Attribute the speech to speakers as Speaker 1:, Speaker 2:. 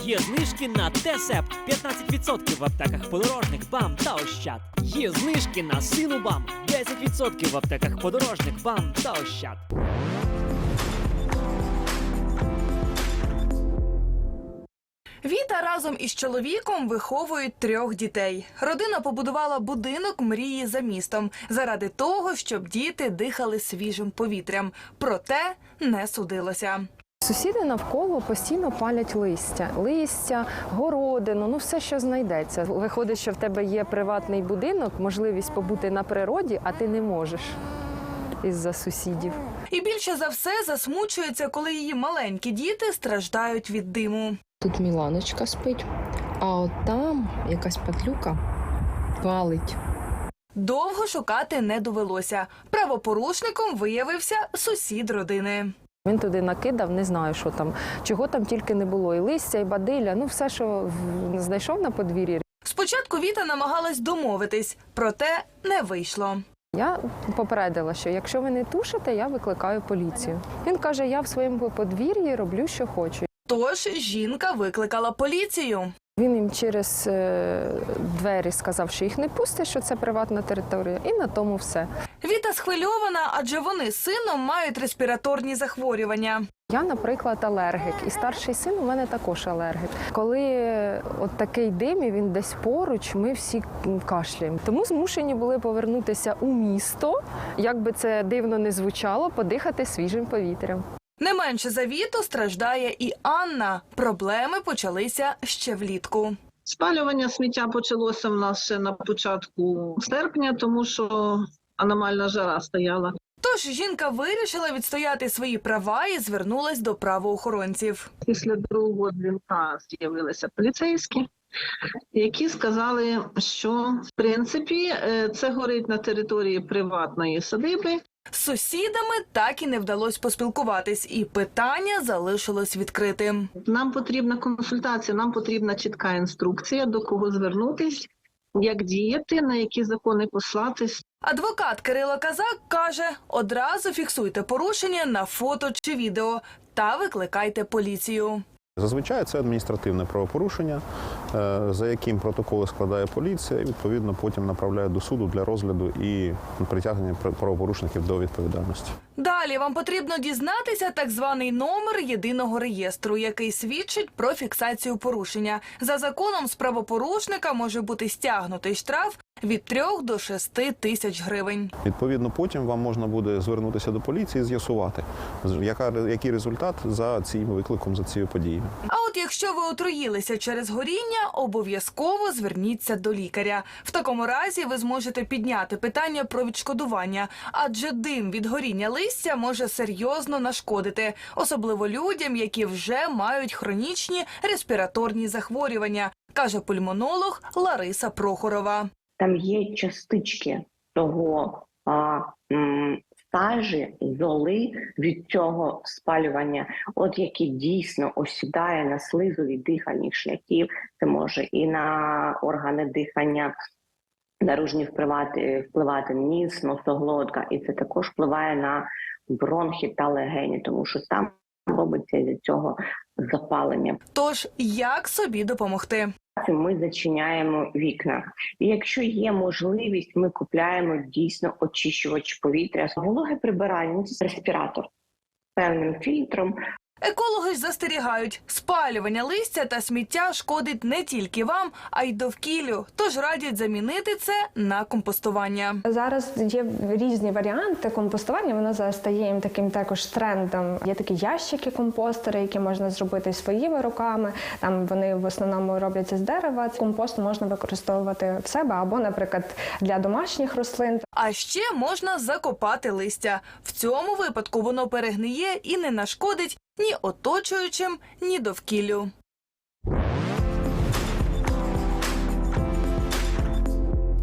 Speaker 1: Є знижки на Тесепт 15% в аптеках Подорожник, БАМ та Ощад. Є знижки на Синубам 10% в аптеках Подорожник, БАМ та Ощад.
Speaker 2: Віта разом із чоловіком виховують 3 дітей. Родина побудувала будинок мрії за містом заради того, щоб діти дихали свіжим повітрям. Проте не судилося.
Speaker 3: Сусіди навколо постійно палять листя, городину, ну все, що знайдеться. Виходить, що в тебе є приватний будинок, можливість побути на природі, а ти не можеш із-за сусідів.
Speaker 2: І більше за все засмучується, коли її маленькі діти страждають від диму.
Speaker 3: Тут Міланочка спить, а от там якась падлюка палить.
Speaker 2: Довго шукати не довелося. Правопорушником виявився сусід родини.
Speaker 3: Він туди накидав, не знаю, що там, чого там тільки не було. І листя, і бадилля, ну все, що знайшов на подвір'ї.
Speaker 2: Спочатку Віта намагалась домовитись, проте не вийшло.
Speaker 3: Я попередила, що якщо ви не тушите, я викликаю поліцію. Він каже, я в своєму подвір'ї роблю, що хочу.
Speaker 2: Тож жінка викликала поліцію.
Speaker 3: Він їм через двері сказав, що їх не пустить, що це приватна територія, і на тому все.
Speaker 2: Віта схвильована, адже вони з сином мають респіраторні захворювання.
Speaker 3: Я, наприклад, алергік, і старший син у мене також алергік. Коли от такий дим, і він десь поруч, ми всі кашляємо. Тому змушені були повернутися у місто, як би це дивно не звучало, подихати свіжим повітрям.
Speaker 2: Не менше за Віту страждає і Анна. Проблеми почалися ще влітку.
Speaker 4: Спалювання сміття почалося в нас ще на початку серпня, тому що аномальна жара стояла.
Speaker 2: Тож жінка вирішила відстояти свої права і звернулась до правоохоронців.
Speaker 4: Після другого дзвінка з'явилися поліцейські, які сказали, що в принципі це горить на території приватної садиби.
Speaker 2: З сусідами так і не вдалося поспілкуватись, і питання залишилось відкритим.
Speaker 4: Нам потрібна консультація, нам потрібна чітка інструкція, до кого звернутись, як діяти, на які закони послатись.
Speaker 2: Адвокат Кирило Казак каже, одразу фіксуйте порушення на фото чи відео та викликайте поліцію.
Speaker 5: Зазвичай це адміністративне правопорушення, за яким протоколи складає поліція і, відповідно, потім направляє до суду для розгляду і притягнення правопорушників до відповідальності.
Speaker 2: Далі вам потрібно дізнатися так званий номер єдиного реєстру, який свідчить про фіксацію порушення. За законом з правопорушника може бути стягнутий штраф від 3 до 6 тисяч гривень.
Speaker 5: Відповідно, потім вам можна буде звернутися до поліції і з'ясувати, який результат за цим викликом, за цією подією.
Speaker 2: А от якщо ви отруїлися через горіння, обов'язково зверніться до лікаря. В такому разі ви зможете підняти питання про відшкодування, адже дим від горіння листя може серйозно нашкодити, особливо людям, які вже мають хронічні респіраторні захворювання, каже пульмонолог Лариса Прохорова.
Speaker 6: Там є частички того сажі, золи від цього спалювання, от які дійсно осідає на слизові дихальних шляхів, це може і на органи дихання, наружні впливати ніс, носоглотка, і це також впливає на бронхи та легені, тому що там робиться від цього запалення.
Speaker 2: Тож, як собі допомогти?
Speaker 6: Ми зачиняємо вікна. І якщо є можливість, ми купляємо дійсно очищувач повітря. Вологе прибирання – це респіратор певним фільтром.
Speaker 2: Екологи ж застерігають, спалювання листя та сміття шкодить не тільки вам, а й довкіллю. Тож радять замінити це на компостування.
Speaker 7: Зараз є різні варіанти компостування, воно зараз стає їм таким також трендом. Є такі ящики-компостери, які можна зробити своїми руками. Там вони в основному робляться з дерева. Компост можна використовувати в себе або, наприклад, для домашніх рослин.
Speaker 2: А ще можна закопати листя. В цьому випадку воно перегниє і не нашкодить ні оточуючим, ні довкіллю.